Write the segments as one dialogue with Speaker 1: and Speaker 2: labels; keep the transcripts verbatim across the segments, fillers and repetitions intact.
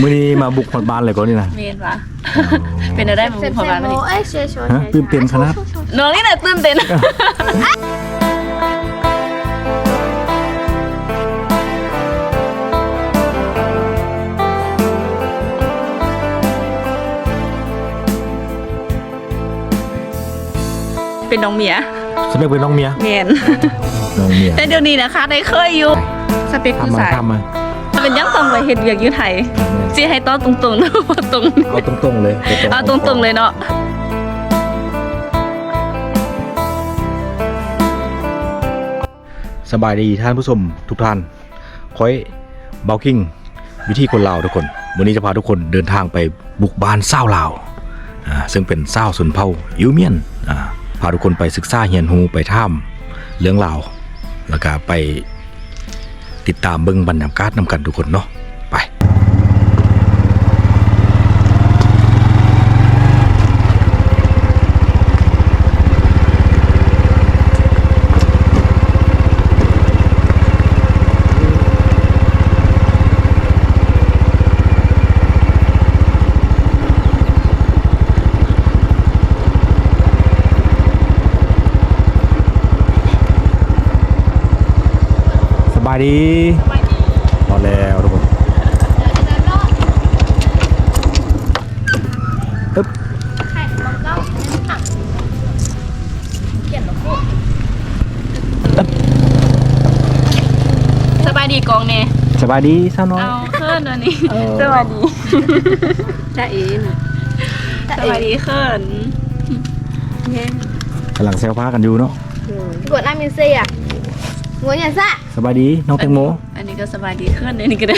Speaker 1: มื้อนี้มาบุกหอดบ้านเลยก็นี่นะ
Speaker 2: เมนวะเป็นอะไรมาบุกหอดบ้านมาดิ
Speaker 1: ฮะตื่นเต้นขนาด
Speaker 2: น้องนี่แหละตื่นเต้นเป็นน้องเมีย
Speaker 1: สเปคเป็นน้องเมีย
Speaker 2: เมน
Speaker 1: น้องเมีย
Speaker 2: แต่เดี๋ยวนี้นะคะได้เคยอยู่สเปคผู้ชาย
Speaker 1: ทำมา
Speaker 2: เป็นยังต้องไปเฮ็ดเวียกอยู่ไทยสิให้ต้อนตรงๆนะว่าตรง
Speaker 1: เอาตรงๆเลย
Speaker 2: เอาตรงๆเลยเนาะ
Speaker 1: สบายดีท่านผู้ชมทุกท่านคอยเบากิ้งวิธีคนลาวทุกคนวันนี้จะพาทุกคนเดินทางไปบุกบ้านเศร้าลาวอ่าซึ่งเป็นเศร้าสุนเผ่าอิวเมียนอ่าพาทุกคนไปศึกษาเฮียนฮูไปถ้ำเรื่องลาวแล้วก็ไปติดตามเบิ่งบรรยากาศนำกันทุกคนเนาะไปสบายดีพอแล้วทุกคนปึ๊บ
Speaker 2: สบายดีกองเนี่ย
Speaker 1: สบายดีสาวน้อย
Speaker 2: เอาเขินวันนี้สบายดีจ้าเอ๋น่ะสบายดีเขิน
Speaker 1: กำลังเซลฟ้ากันอยู่เนาะ
Speaker 3: กดน้ำมินเซียหัวเนี่ยซะ
Speaker 1: สบายดีน้องแตงโม
Speaker 2: อันนี้ก็สบายดีขึ้นอันนี้ก็ได้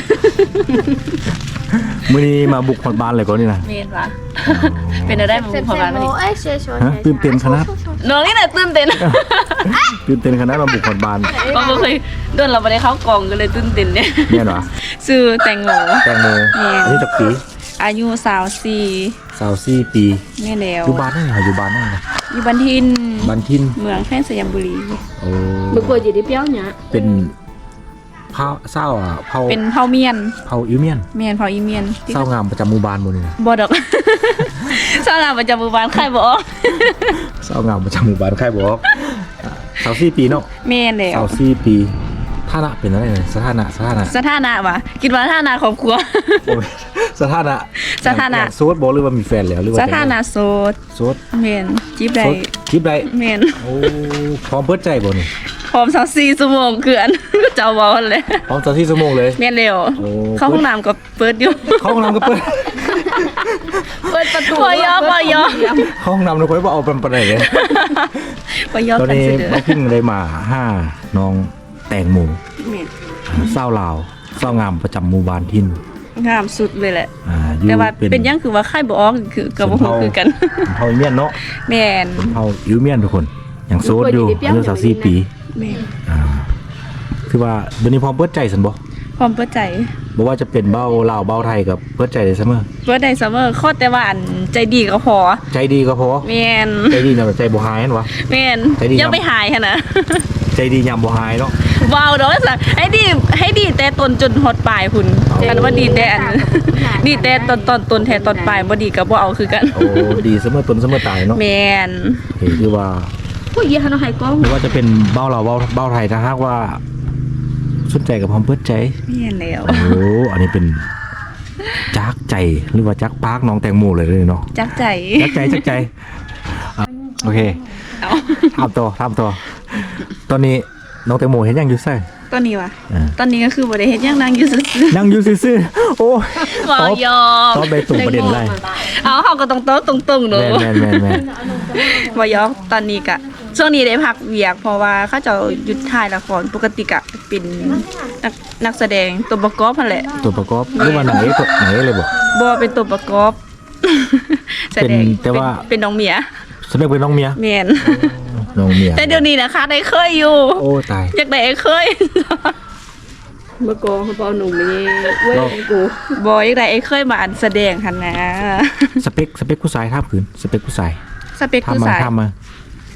Speaker 1: มื้อนี้มาบุกหอดบ้านเลยก็นี่นะ
Speaker 2: เมนวะเป็นอะไรมาบุกหอดบ้านมาดิ
Speaker 1: ฮะตื่นเต้นขนาด
Speaker 2: น้องนี่แหละตื่นเต้น
Speaker 1: ตื่นเต้นขนาดมาบุกหอดบ้าน
Speaker 2: เพราะเราเคยโดนเราไม่ได้เข้ากล่องกันเลยตื่นเต้นเนี่ย
Speaker 1: เนี่ยเหรอ
Speaker 2: ชื่อแตงโม
Speaker 1: แตงโมอันนี้จักปี
Speaker 2: อายุสาวสี่
Speaker 1: สาวสี่ปี
Speaker 2: แม่แล้ว
Speaker 1: อยู่บ้านนั่นเหรออยู่บ้านนั่นเหรอ
Speaker 2: อยู่บ้านทิน
Speaker 1: บ้านทิน
Speaker 2: เมืองแค่สยามบุรี
Speaker 1: โอ้
Speaker 3: เมื่อก่อนอยู่ที่เปี้ยวเนี่ย
Speaker 1: เป็นเผาเศร้าอ่ะเผา
Speaker 2: เป็นเผาเมียน
Speaker 1: เผาอิวเมียน
Speaker 2: เมียนเผาอิวเมียน
Speaker 1: เศร้างามประจำหมู่บ้านหมดเลยนะ
Speaker 2: บ่ดอกเศร้างามประจำหมู่บ้านใครบอก
Speaker 1: เศร้างามประจำหมู่บ้านใครบอกสาวสี่ปีเนาะ
Speaker 2: เมียนแล้ว
Speaker 1: สาวสี่ปีฐานะเป็นอะไรเนี่ยสถานะสถานะ
Speaker 2: สถานะวะคิดว่าสถานะครอบครัว
Speaker 1: สถานะ
Speaker 2: สถานะ
Speaker 1: โสดบอกหรือว่ามีแฟนแล้วหรือว่า
Speaker 2: สถานะโสด
Speaker 1: โสด
Speaker 2: เมนจีบได้
Speaker 1: จีบได้
Speaker 2: เมน
Speaker 1: โอ้พร้อมเปิดใจบ่นี่
Speaker 2: พร้อมสักสี่ชั่วโมงเกินเจ้าบอลเลย
Speaker 1: พร้อมสักสี่ชั่วโมงเลย
Speaker 2: เมนเร็วเข้าห้องน้ำก็เปิดอยู่
Speaker 1: เข้าห้องน้ำก็เปิด
Speaker 3: เปิดประตู
Speaker 2: ปอยอปอยอ
Speaker 1: ห้องน้ำเราค่อยว่าเอาเป็นประเด็นเลย
Speaker 2: ปอยอ
Speaker 1: ตอนนี้มาพิ้งเลยมาห้าน้องแตงโมเศร้าลาวเศร้างามประจำหมู่บ้านทิน
Speaker 2: งามสุดเลยแหละแต่ว่าเป็นยังคือว่าค่ายบออกคือกับพวกคือกัน
Speaker 1: เฮาอิวเมียนเนาะ
Speaker 2: แมน
Speaker 1: เฮาอิวเมียนทุกคนอย่างโซดอยู่อายุสามสี่ปี
Speaker 2: แมน
Speaker 1: อ่าคือว่าเดี๋ยวนี้พร้อมเปิดใจสันบ่
Speaker 2: พร้อมเปิดใจ
Speaker 1: บอกว่าจะเป็นเบ้าลาวเบ้าไทยกับเปิดใจได้เสมอ
Speaker 2: เปิดใจเสมอข้อแต่ว่าอันใจดีก็พอ
Speaker 1: ใจดีก็พอ
Speaker 2: แมน
Speaker 1: ใจดีนะใจบ่หายนั่นวะ
Speaker 2: แมนยังไม่หายค่ะนะ
Speaker 1: ใจดียามบ่หายเนาะ
Speaker 2: ว้าวดอกสักให้ดีให้ดีแต่ต้นจนฮอดปลายคุณกันว่าดีแต่อันดีแต่ตอนตอนต้นแทนตอนปลายบ่ดีกับบ่เอาคือกัน
Speaker 1: โอ้ดีเสมอต้นเสมอตายเนาะ
Speaker 2: แมน
Speaker 1: โอเคคือว่า
Speaker 2: ผู้หญิงเขาให้กล้อง
Speaker 1: ไม่ว่าจะเป็นเบ้าลาวเบ้าเบ้าไทยถ้าหากว่าสนใจกับพร้อมเปิดใจ
Speaker 2: แม่นแล้ว
Speaker 1: โอ้อันนี้เป็นจักใจหรือว่าจักปากน้องแตงโมเลยเลยเนาะ
Speaker 2: จักใจ
Speaker 1: จักใจจักใจโอเคทำตัวทำตัวตอนนี้น้องแตงโมเห็นยังอยู่ใส่
Speaker 2: ตอนนี้วะตอนนี้ก็คือบ่ได้เห็นยังนั่งอยู่ซื่อ
Speaker 1: ๆนั่งอยู่ซื่อๆโอ้
Speaker 2: บ่ยอม
Speaker 1: ตอบได้ตรงประเด็นเลย
Speaker 2: เอาเฮาก็ต้องโต๊ะตรงๆเนาะ
Speaker 1: แม่นๆ
Speaker 2: ๆบ่ยอมตอนนี้ก็ช่วงนี้ได้พักเวียกเพราะว่าเขาจะหยุดถ่ายละครปกติก็เป็นนักนักแสดงตัวประกอบนั่นแหละ
Speaker 1: ตัวประกอบหรือว่าไหนตัวไหนเลยบ่
Speaker 2: บ่เป็นตัวประกอบแสดงแต่ว่าเป็นน้องเมีย
Speaker 1: แสดงเป็นน้องเมีย
Speaker 2: แม่น
Speaker 1: น้องเมีย
Speaker 2: แต่เดี๋ยวนี้นะคะได้เคยอยู่
Speaker 1: โอ้ตาย
Speaker 2: อยากได้เคย
Speaker 3: เมื่อก่อนเขาบอกหนุ่มนี่เว้ยกู
Speaker 2: บอยอยากได้เคยมาอันแสดงค่ะนะ
Speaker 1: สเปคสเปคผู้ชายท่าผืนสเปคผู้ชาย
Speaker 2: สเปคผู้ชาย
Speaker 1: ทำมาส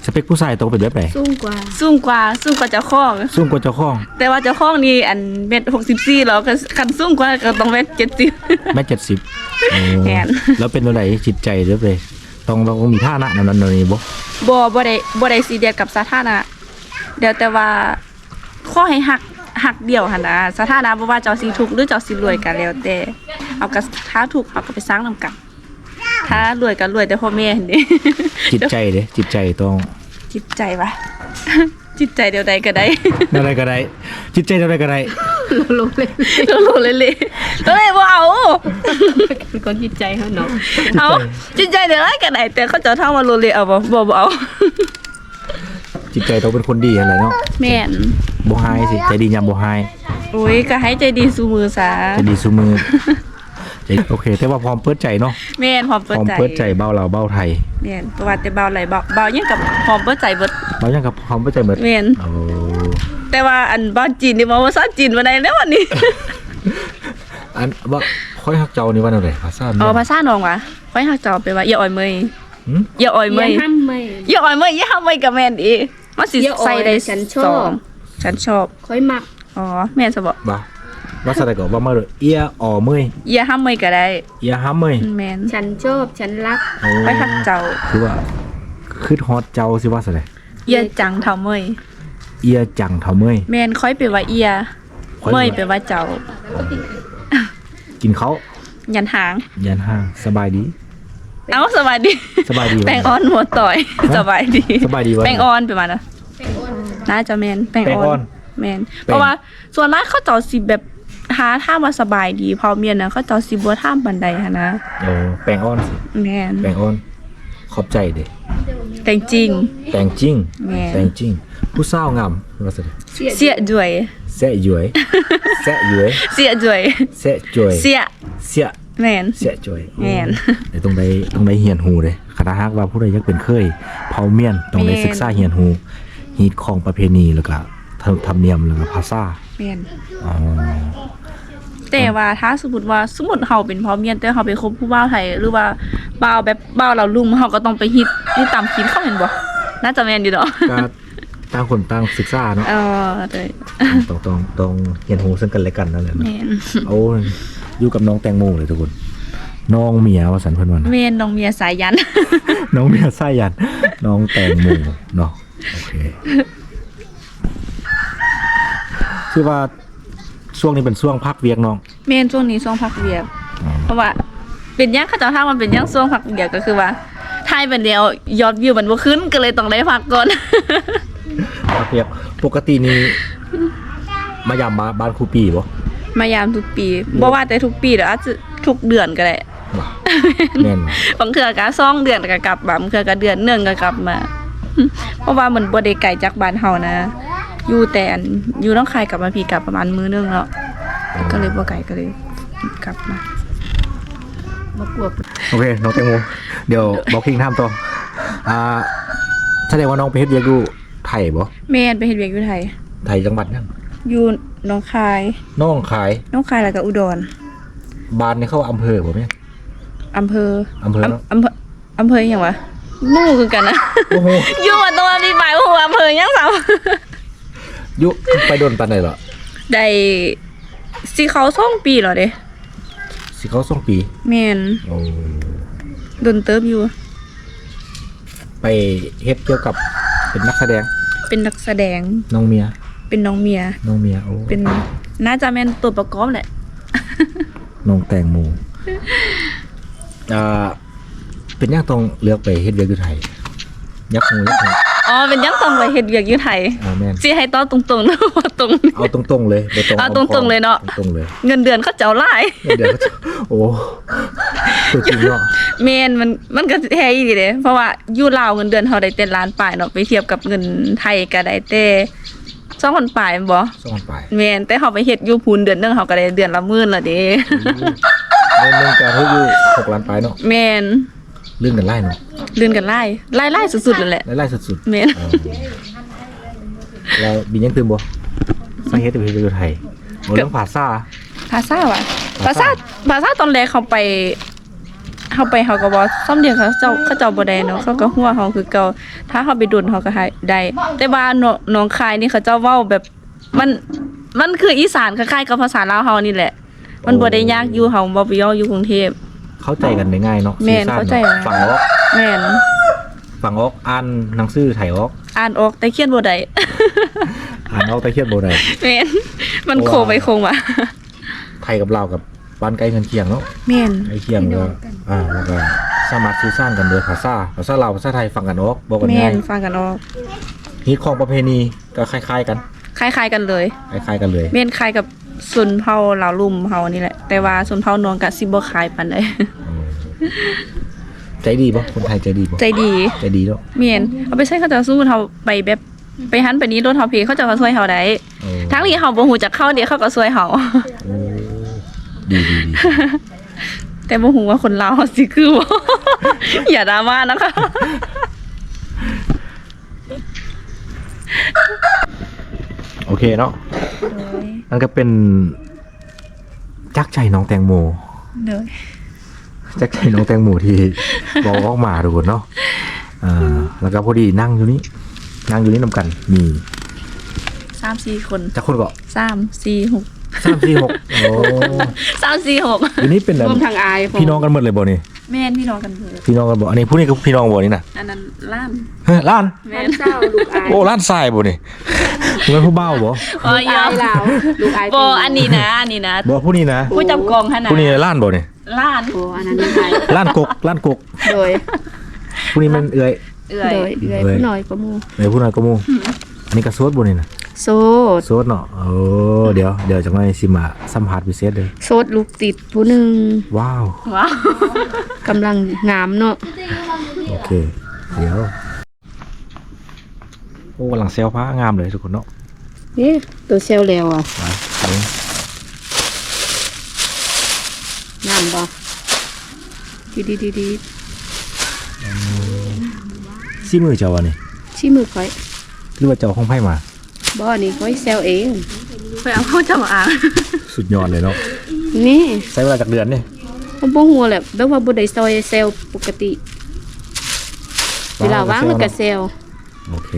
Speaker 1: เปคผู้ชายต้องเป็นแบบไหน
Speaker 3: สูงกว่า
Speaker 2: สูงกว่าสูงกว่าเจ้าของ
Speaker 1: สูงกว่าเจ้าของ
Speaker 2: แต่ว่าเจ้าของนี่อันเม็ดหกสิบสี่แล้วก็คันสูงกว่าก็ต้องเม็ดเจ็ดสิบ
Speaker 1: แม่เจ็ดสิบ
Speaker 2: แม่น
Speaker 1: แล้วเป็นอะไรจิตใจเด้อเลยต้องต้องมีท่านะนั่นนั่นนี่บ่
Speaker 2: บ่บ่ได้บ่ได้ซีเรียสกับสถานะเดี๋ยวแต่ว่าขอให้หักหักเดียวหั่นนะสถานะบ่ว่าเจ้าสิทุกข์หรือเจ้าสิรวยก็แล้วแต่เอาก็ถ้าทุกข์เอาก็ไปสร้างนำกันถ้ารวยก็รวยแต่พ่อแม่หั่นเด้
Speaker 1: จิตใจเด้จิตใจต้อง
Speaker 2: จิตใจวะ จิตใจเดียวใดก็ได้
Speaker 1: อะไรก็ได้ จิตใจอะไรก็ได้
Speaker 3: ลงเลย
Speaker 2: โลโลเลยเลยๆก็เลยบ่เอา
Speaker 3: เป็นคนจิตใจเขาเนาะ
Speaker 2: เอาจิตใจเดียวใดก็ได้แต่เขาจะเท่ามาโลเลยเอาบ่บ่บ่เอา
Speaker 1: จิตใจต้องเป็นคนดีอะไรเนาะ
Speaker 2: แม่น
Speaker 1: บ่ไฮสิใจดียามบ่ไฮ
Speaker 2: โอ้ยก็ให้ใจดีสู่มือซะ
Speaker 1: ใจดีซุมือใจโอเค แต่ว่าพร้อมเปิดใจเนาะ
Speaker 2: แม่นพร้อม
Speaker 1: พ
Speaker 2: เปิด
Speaker 1: ร้อม
Speaker 2: ใจ
Speaker 1: เปิดใจเบ้าเราเบ้าไทย
Speaker 2: แม่นประวัติแต่เบาไหลเบาเบายังกับพร้อมเปิดใจเบิด
Speaker 1: เบ้ายังกับพร้อมเปิดใจหมด
Speaker 2: แม่น
Speaker 1: โอ้
Speaker 2: แต่ว่าอันบ้านจีนนี่บ่ว่าภาษาจีนบ่ได้แล้ววันนี้
Speaker 1: อันว่าค่อยฮักเจ้านี่ว่าอะไรภาษา
Speaker 2: อ๋อภาษาน้องว่ะค่อยฮักเจ้าไปว่าอย่าอ่อยเมย
Speaker 1: หืม
Speaker 2: อย่าอ่อยเม
Speaker 3: อย่าย ห้ามไม่
Speaker 2: อย่าอ่อยเมยอย่าห้ามเมยกับแม่นอีมันสิ
Speaker 3: อย่าอ่อย
Speaker 2: ใส่ได้
Speaker 3: ฉันชอบ
Speaker 2: สองฉันชอบ
Speaker 3: ค่อยมัก
Speaker 2: อ๋อแม่นซะบ่
Speaker 1: บ่าว่าสะไดก็ว่ามาเลยเอียอ๋อเมย
Speaker 2: อย่าห้ามเมยก็ได้
Speaker 1: เอียห้ามเมย
Speaker 2: แม่น
Speaker 3: ฉันชอบฉันรัก
Speaker 1: โอ้
Speaker 2: ค่อยฮักเจ้า
Speaker 1: คือว่าคือฮอตเจ้าสิว่าสะได
Speaker 2: อย่าจังเท่าเมย
Speaker 1: เอียจังเท่าเมย
Speaker 2: แม่นค่อยไปว่าเอีย
Speaker 1: ค่อย
Speaker 2: เมยไปว่าเจ้า
Speaker 1: กินเขา
Speaker 2: ยันหาง
Speaker 1: ยันห้างสบายดี
Speaker 2: เอ้าสบายดี
Speaker 1: สบายดีวะ
Speaker 2: แป้งออนหัวต่อย สบายดี
Speaker 1: สบายดีวะ
Speaker 2: แป้งออนไปมานะน่าจะแมนแป้ง
Speaker 1: แป้ง
Speaker 2: อ
Speaker 1: อ่
Speaker 2: อ
Speaker 1: อน
Speaker 2: นแมนเพราะว่าส่วนมากเขาเจ้าสิแบบหาท่ามาสบายดีพอเมียนนะเขาเจ้าสิบ่ท่ามบันไดหันนะ
Speaker 1: โอ้แปลงอ้อนสิ
Speaker 2: แมน
Speaker 1: แปลงอ้อนขอบใจเด้
Speaker 2: แต่จริง
Speaker 1: แปลงจริง
Speaker 2: แม่น
Speaker 1: แปลงจริง ผู้สาวงามว่าสะได
Speaker 2: เสียด้วย
Speaker 1: แซะหยวยแซะหยวย
Speaker 2: เสียด้วย
Speaker 1: แซะจวย
Speaker 2: เสีย
Speaker 1: เสีย
Speaker 2: แมน
Speaker 1: เสียจวย
Speaker 2: แม่น
Speaker 1: ไอ้ตรงใดตรงใดเฮียนหูเด้คณะฮักว่าผู้ใดอยากเป็นเคยเผาเมียนต้องได้
Speaker 2: แม่น
Speaker 1: ศึกษาเฮียนหูฮีตของประเพณีแล้วก็ธรรมธรรมเนียมแล้วก็ภาษา
Speaker 2: แมน
Speaker 1: อ๋อ
Speaker 2: แต่ว่าถ้าสมมติว่าสมมติเฮาเป็นพ่อเมียนแต่เฮาไปคบผู้บ่าวไทยหรือว่าบ่าวแบบบ่าวเราลุงเฮาก็ต้องไปฮิตที่ตามคิดเขาเห็นบ่น่าจะแม่นอยู่เนาะ
Speaker 1: ก็ต่างคนต่างศึกษาเนาะ
Speaker 2: เออเลย
Speaker 1: ต้องต้องต้องเฮียนหูซึ่งกันและกันนั่นแหละเนาะ
Speaker 2: แม่น
Speaker 1: โอ้ยอยู่กับน้องแตงโมเลยทุกคน น้องเมียว่าสันเพิ่นว่านะ
Speaker 2: แม่นน้องเมียสายยัน
Speaker 1: น้องเมียไส้ยัน น้องแตงโมเนาะโอเคคือว่าช่วงนี้เป็นช่วงพักเวียกน้อง
Speaker 2: แม่นช่วงนี้ช่วงพักเวียก
Speaker 1: อ๋อ
Speaker 2: เพราะว่าเป็นหยังเขาเจ้าถ้ามันเป็นหยังช่วงพักเวียกก็คือว่าถ่ายเป็นเดียวยอดวิวมันบ่ขึ้นก็เลยต้องได้พักก่อน
Speaker 1: พักเวียกปกตินี่มายามบ้านบ้านครูปีบ่
Speaker 2: มายามทุกปีบ่ว่าแต่ทุกปีเด้ออาจจะทุกเดือนก็ได้
Speaker 1: บ่แม่นบ่
Speaker 2: บางเทื่อก็สองเดือนก็กลับมาบางเทื่อก็เดือนหนึงก็กลับมา เพราะว่ามันบ่ได้ไกลจากบ้านเฮานะ อยู่แต่อันอยู่น้องคายกลับมาพี่กลับประมาณมื้อนึงแล้วก็เลยบ่ไกลก็เลยกลับมา
Speaker 3: มากลัว
Speaker 1: โอเคน้องแตงโมเดี๋ยวบอกคิงถามต่ออ่าแสดงว่าน้องไปเฮ็ดเวียกอยู่ไทยบ่
Speaker 2: แม่นไปเฮ็ดเวียกอยู่ไทย
Speaker 1: ไทยจังหวัดยัง
Speaker 2: อยู่หน้องคาย
Speaker 1: น้องขาย
Speaker 2: หน้องคายแล้วก็อุดร
Speaker 1: บ้านนี่เข้าอำเภอบ่แม่
Speaker 2: อำเภอ
Speaker 1: อำเภอเนอะ
Speaker 2: อำเภออำเภอหยังวะมู่คือกันนะ
Speaker 1: โอ้โห
Speaker 2: อยู่ว่าตรงนั้นมีหมายว่าหัวอำเภอหยังสาว
Speaker 1: ยุไปโดนปานใดเหรอ
Speaker 2: ได้สิเขาสองปีแล้วเด้
Speaker 1: สิเขาสองปี
Speaker 2: แม่น
Speaker 1: โอ้
Speaker 2: โดนเติบอยู่
Speaker 1: ไปเฮ็ดเกี่ยวกับเป็นนักแสดง
Speaker 2: เป็นนักแสดง
Speaker 1: น้องเมีย
Speaker 2: เป็นน้องเมีย
Speaker 1: น้องเมียโอ้
Speaker 2: เป็นน่าจะแม่นตัวประกอบแหละ
Speaker 1: น้องแตงโมอ่าเป็นยังต้องเลือกไปเฮ็ดเวียกอยู่ไทยยักหูยักหู
Speaker 2: อ๋อเป็นยังต้องไปเฮ็ดเวียกอยู่ไทย
Speaker 1: อ่าแม่น
Speaker 2: สิให้ต้อตรงๆหรือว่าตรง
Speaker 1: เอาตรงๆเลยบ่ตรง
Speaker 2: เอาตรงๆเลยเนาะ
Speaker 1: ตรงๆเลย
Speaker 2: เงินเดือนเขาเจ้าหลาย
Speaker 1: เดี๋ยวเขาจะโอ้ตัวจริงเนาะ
Speaker 2: แม่นมันมันก็แท้อีหลีเด้เพราะว่าอยู่ลาวเงินเดือนเฮาได้แต่ล้านปลายเนาะไปเทียบกับเงินไทยก็ได้แต่สองพันปลายแม่นบ่
Speaker 1: สองไป
Speaker 2: แม่นแต่เฮาไปเฮ็ดอยู่พูนเดือนหนึงเฮาก็ได้เดือนละหมื่นละเด้
Speaker 1: เรื่องเรื่องการเฮ็ดอยู่หกล้านไปเนาะ
Speaker 2: แม่น
Speaker 1: เรื่องกันไล่เนาะ
Speaker 2: เดือนกันหลายหลายๆสุดๆนั่นแหละ
Speaker 1: ไล่สุด
Speaker 2: แม่น
Speaker 1: ๆอ๋อแล้วบินยังตื่นบ่สาเหตุที่ไปเฮ็ดเวียกอยู่ไทยบ่เรื่องภาษา
Speaker 2: ภาษาว่ะภา
Speaker 1: ภา
Speaker 2: ษา
Speaker 1: ษา
Speaker 2: ภาษาตอนแรกเขาไปเฮาไปเฮาก็บ่ซ้ำเดียวเขาเจ้าเขาเจ้าบ่ได้เนาะเขาก็ฮู้ว่าเฮาคือเก่าถ้าเฮาไปดุนเฮาก็ให้ได้แต่ว่าหนองคายนี่เขาเจ้าเว้าแบบมันมันคืออีสานคล้ายๆกับภาษาลาวเฮานี่แหละ มันบ่ได้ยากอยู่เฮาบ่ไปย่ออยู่กรุงเทพ
Speaker 1: เข้าใจกันได้ง่ายเนาะ
Speaker 2: แม่น
Speaker 1: สื่อสร
Speaker 2: เข้าใจ
Speaker 1: เนาะฝั่งออก
Speaker 2: แม่น
Speaker 1: ฝั่งออกอ่านหนังสือไทยออก
Speaker 2: อ่านออกแต่เขียนบ่ได้
Speaker 1: อ่านออกแต่เขียนบ่ได้
Speaker 2: แม่นมันโคไปโคมา
Speaker 1: ไทยกับลาวกับบ้านใกล้เรือนเคียงเนาะ
Speaker 2: แม่น
Speaker 1: ใกล้เคียงก็อ่าแล้วก็สามารถสื่อสารกันโดยภาษาภาษาลาวภาษาไทยฟังกันออกบอกกัน
Speaker 2: แม่
Speaker 1: ง่าย
Speaker 2: นฟังกันออก
Speaker 1: ฮิตของประเพณีก็คล้ายๆกัน
Speaker 2: คล้ายๆกันเลย
Speaker 1: คล้ายๆกันเลย
Speaker 2: แม่นคล้ายกับชนเผ่าลาวลุ่มเฮานี่แหละ แต่ว่าชนเผ่านวงก็สิบ่คล้ายปานใด
Speaker 1: ใจดีป่ะคนไทยใจดีป่ะ
Speaker 2: ใจดี
Speaker 1: ใจดีเนาะ
Speaker 2: แม่นเอาไปใช้เขาจะสู้เฮาไปแบบไปหันไปนี้รถเฮาเพเขาจะมาช่วยเฮาได้
Speaker 1: โอ้
Speaker 2: ทั้งนี้เฮาบ่ฮู้จักเขาเดี๋ยวเขาก็ช่วยเฮา
Speaker 1: โอ้ดีดีดี
Speaker 2: แต่บ่ฮู้ว่าคนลาวเฮาสิคือบ่ อย่าดราม่านะคะ
Speaker 1: โอเคเนาะนั่นก็เป็นจักใจน้องแตงโม
Speaker 2: เด้อ
Speaker 1: จักใจน้องแตงโมที่ บอกออกมาทุกคนเนาะอ่าแล้วก็พอดีนั่งอยู่นี่นั่งอยู่นี่นำกันมี
Speaker 2: สามสี่คน
Speaker 1: จักคนก็
Speaker 2: สาม สี่ หก
Speaker 1: สามสี่หกโอ้
Speaker 2: สาม สี่ หก
Speaker 1: อยู่นี่เป็นแบบ
Speaker 3: รวมทางอาย
Speaker 1: พี่น้องกันหมดเลยบ่นี่
Speaker 2: แม่นพี่น้องกันเบิด
Speaker 1: พี่น้องกันบ่อันนี้ผู้นี้ก็พี่น้องบ่นี่น่ะ
Speaker 2: อันนั้นล้าน
Speaker 1: เฮ้ยล้าน
Speaker 2: แม่
Speaker 3: แม่
Speaker 2: น
Speaker 3: เจ้าลูกอาย
Speaker 1: โอ้ล้านทรายบ่นี่เหมือนผู้เบ้าบ่
Speaker 2: อ๋อ
Speaker 3: ลูก
Speaker 2: ยอ
Speaker 3: อาม ยลาวลูกอาย
Speaker 2: บ่อันนี้นะอันนี้นะ
Speaker 1: บ่ผู้นี้นะ
Speaker 2: ผู้จับกองหั่นน่ะ
Speaker 1: ผู้นี้ล้านบ่นี่
Speaker 2: ล้าน
Speaker 3: โอ้อันนั้นลูกอาย
Speaker 1: ล้านกกล้านกก
Speaker 3: โดย
Speaker 1: ผู้นี้มันเอื้อย
Speaker 2: เอื้อ
Speaker 3: โด
Speaker 2: ย
Speaker 3: ยเอื้อยผู้น้อยกว่าหมู่
Speaker 1: เอื้อยผู้น้อยก็หมู่อันนี้ก็โซดบ่นี่น่ะ
Speaker 3: โสด
Speaker 1: โซดเนาะโอ้เดี๋ยวเดี๋ยวจังได๋สิมาสัมภาษณ์พิเศษเด้อ
Speaker 3: โสดลูกติดผู้หนึง
Speaker 1: ว้าว
Speaker 2: ว้าว
Speaker 3: กำลังงามเนาะ
Speaker 1: โอเค เดี๋ยว โอ้กำลังเซลผ้างามเลยทุกคนเนาะ
Speaker 3: นี่ตัวเซลแล้วอ่ะ
Speaker 1: ไปเบิ่ง
Speaker 3: งามบ่ดีดีดีดี
Speaker 1: ซีมือเจ้าวะนี่
Speaker 3: ชี้มือค่อย
Speaker 1: หรือว่าเจ้าของไพ่มา
Speaker 3: บ่นี่ค่อยเซลเอง
Speaker 2: ไปเอาเข้าจำอ่าง
Speaker 1: สุดยอดเลยเนาะ
Speaker 3: นี่
Speaker 1: ใช้เวลาจากเดือนนี่
Speaker 3: มันบ่ฮู้แหละแบบว่าบ่ได้ซอยเซลปกติเวลาว่างมันก็เซล
Speaker 1: โอเค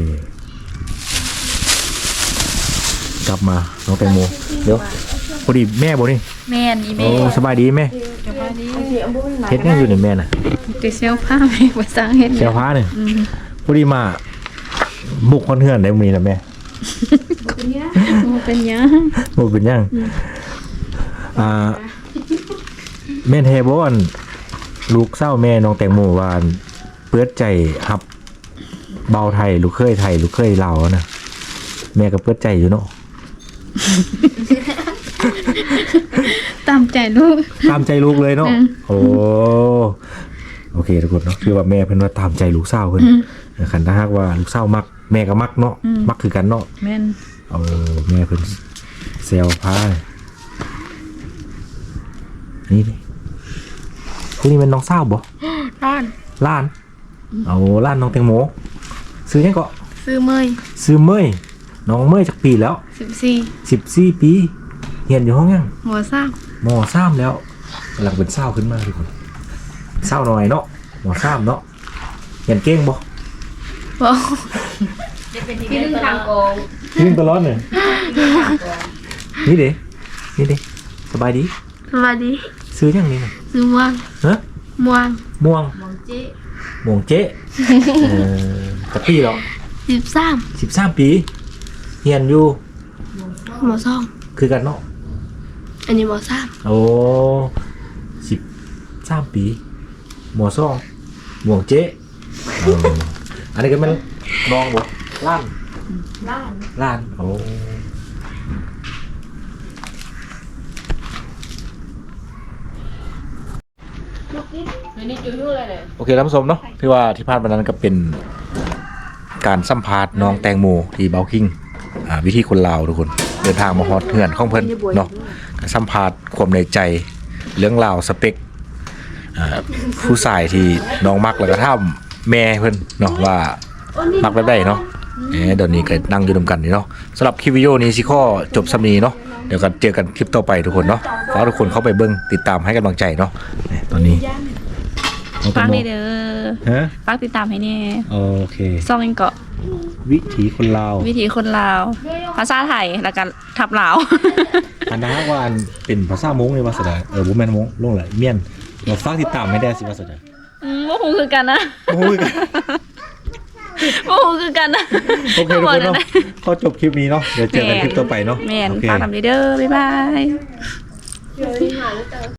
Speaker 1: กลับมา น้องแตงโม เดี๋ยว พอดีแม่บ่นี่
Speaker 2: แม่นอี
Speaker 1: โอ้
Speaker 2: แม่
Speaker 1: สบายดีแม่เฮ็ดยังอยู่นี่แม่น่ะ
Speaker 3: จะเซลผ้าแม่บ่สร้างเฮ็ด
Speaker 1: เซลผ้าเนี่ยพอดีมา บุกคนเฮือนได้มื้อนี้นะแม่
Speaker 3: บ่เป็นหยัง
Speaker 1: บ่เป็นหยังอ่าแม่นแท้บ่อันลูกสาวแม่น้องแตงโมว่าอันเปิดใจรับเบาไทยลูกเคยไทยลูกเคยลาวอะนะแม่ก็เปิดใจอยู่เนาะ
Speaker 3: ตามใจลูก
Speaker 1: ตามใจลูกเลยเนาะโอ้โอเคทุกคนเนาะคือว่าแม่เพิ่นว่าตามใจลูกสาวเพิ่นคันถ้าหากว่าลูกสาวมักแม่ก็มักเนาะมักคือกันเนาะ
Speaker 2: แม่น
Speaker 1: เอาแม่เพิ่นเซลพานี่ดิผู้นี้เป็นน้องสาวบ่
Speaker 2: ร้าน
Speaker 1: ล้าน เอาล้านน้องแตงโมซื้อยังก็
Speaker 2: ซื้อเมย
Speaker 1: ซื้อเมยน้องเมยจากปีแล้ว
Speaker 2: สิบสี่
Speaker 1: สิบสี่ปีเรียนอยู่ห้องยัง
Speaker 2: หัวซ่าม
Speaker 1: มสามแล้วกำลังเป็นเศร้าขึ้นมาทุกคนเศร้าหน่อยเนาะมสามเนาะเรียนเก่งบ่
Speaker 2: บ่
Speaker 3: พี่นึงทางกอง
Speaker 1: ยิ่งตลอดเลยนี่เด้นี่เด้สบายดี
Speaker 2: สวัสดี
Speaker 1: ซื้อยังนี่น่ะ
Speaker 2: ซื้อม่วง
Speaker 1: ฮะ
Speaker 2: ม่วง
Speaker 1: ม่วงม่วงเจ๊ม่วงเจ๊เออจักปีแล้ว
Speaker 2: สิบสาม
Speaker 1: สิบสามปีเรียนอยู่
Speaker 2: หมอซ่อง
Speaker 1: คือกันเนาะ
Speaker 2: อันนี้หมอสาม
Speaker 1: โอ้สิบสามปีหมอซ่องม่วงเจ๊เอออันนี้ก็แมันน้องบ่ล้านล้านล้านโอ้โอเคท่านผู้ชมเนาะที่ว่าที่พลาดวันนั้นก็เป็นการสัมภาษณ์น้องแตงโมที่เบลคิงอ่าวิธีคนลาวทุกคนเดินทางมาฮอดเฮือนของเพิ่นเนาะก็สัมภาษณ์ความในใจเรื่องราวสเปคอ่าผู้ชายที่น้องมักแล้วก็ถามแม่เพิ่นเนาะว่ามักแบบใดเนาะเอ๊ะเดี๋ยวนี้ก็นั่งอยู่นำกันนี่เนาะสำหรับคลิปวิดีโอนี้สิข้อจบสำนีเนาะเดี๋ยวกันเจอกันคลิปต่อไปทุกคนเนาะฝากทุกคนเข้าไปเบิ่งติดตามให้กำลังใจเนาะตอนนี้เอาแต่
Speaker 2: ฝาก
Speaker 1: โม
Speaker 2: นี่เด้อ
Speaker 1: ฮะ
Speaker 2: ฝากติดตามให้แน่
Speaker 1: โอเค
Speaker 2: ซ่องเองเกาะ
Speaker 1: วิถีคนลาว
Speaker 2: วิถีคนลาว ภาษาไทยแล้วก็ทับลาว
Speaker 1: อันนั้นว่าอันเป็นภาษามงเลยว่าสดาเออบ่แม่นมงลงเลยเมียนเราฝากติดตามให้ได้สิว่าสดา
Speaker 2: อืมบ่ฮู้คือกันนะ
Speaker 1: โอ้ย
Speaker 2: บ่ฮู้คือกันนะ
Speaker 1: โอเคทุกคนเนาะขอจบคลิปนี้เนาะเดี๋ยวเจอกันคลิปต่อไปเนาะ
Speaker 2: แม่น
Speaker 1: โอเค
Speaker 2: ฝากนำเด้อบ๊ายบาย